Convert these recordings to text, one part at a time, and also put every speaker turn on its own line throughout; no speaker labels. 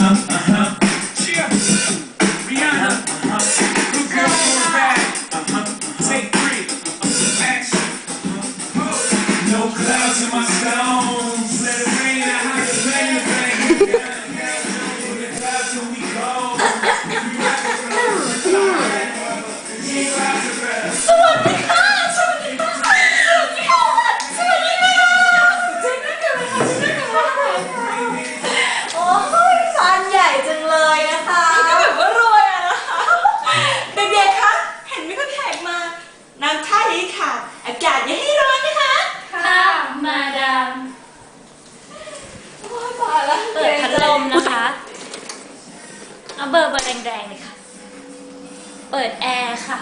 Cheer. Rihanna. Good girl going back. Take 3. Action. No clouds in my stones. Let it rain. I have to bang it, bang it. The clouds till we go. If you rock it, you rock the rest.
สวัสดีค่ะ สวัสดีค่ะ สวัสดีค่ะ สวัสดีค่ะเจ๊นั่งกันเลยค่ะเจ๊นั่งกันเลยค่ะโอ้ยฟานใหญ่จังเลยนะคะก็แบบว่ารวยอะนะคะเด็กๆคะเห็นมีคนแขกมาน้ำท่านี้ค่ะ อากาศอย่าให้ร้อนนะคะ
ค่ะมาดาม
โอ้ยตายแล้ว
เปิดพัดลมนะคะเอาเบอร์แรงๆเลยค่ะ เปิดแอร์ค่ะ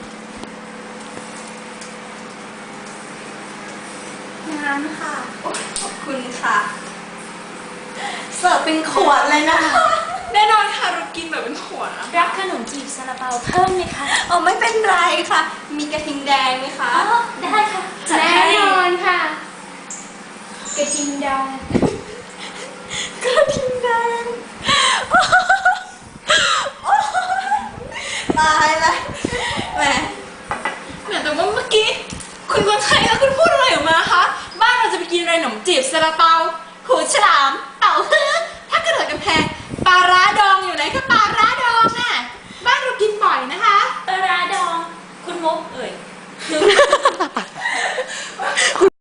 น้ำค่ะโอ้ยขอบคุณค่ะเสิร์ฟเป็นขวดเลยนะคะ
แน่นอนค่ะเรากินแบบเป็นขวดนะ
รับขนมจีบซาลาเปาเพิ่มไหมคะ
อ๋อไม่เป็นไรค่ะ มีกระทิงแดงไหมคะ
อ๋อได้ค่ะจัด
แน่
ให้
นอนค่ะกระทิงดอง
กระทิงแดงโอ๊ยตายแล้วแหม
แต่ว่าเมื่อกี้คุณคนไทยแล้วคุณพูดอะไรออกมาคะบ้านเราจะไปกินอะไรขนมจีบซาลาเปา
หูฉลามเต่าเพื่อ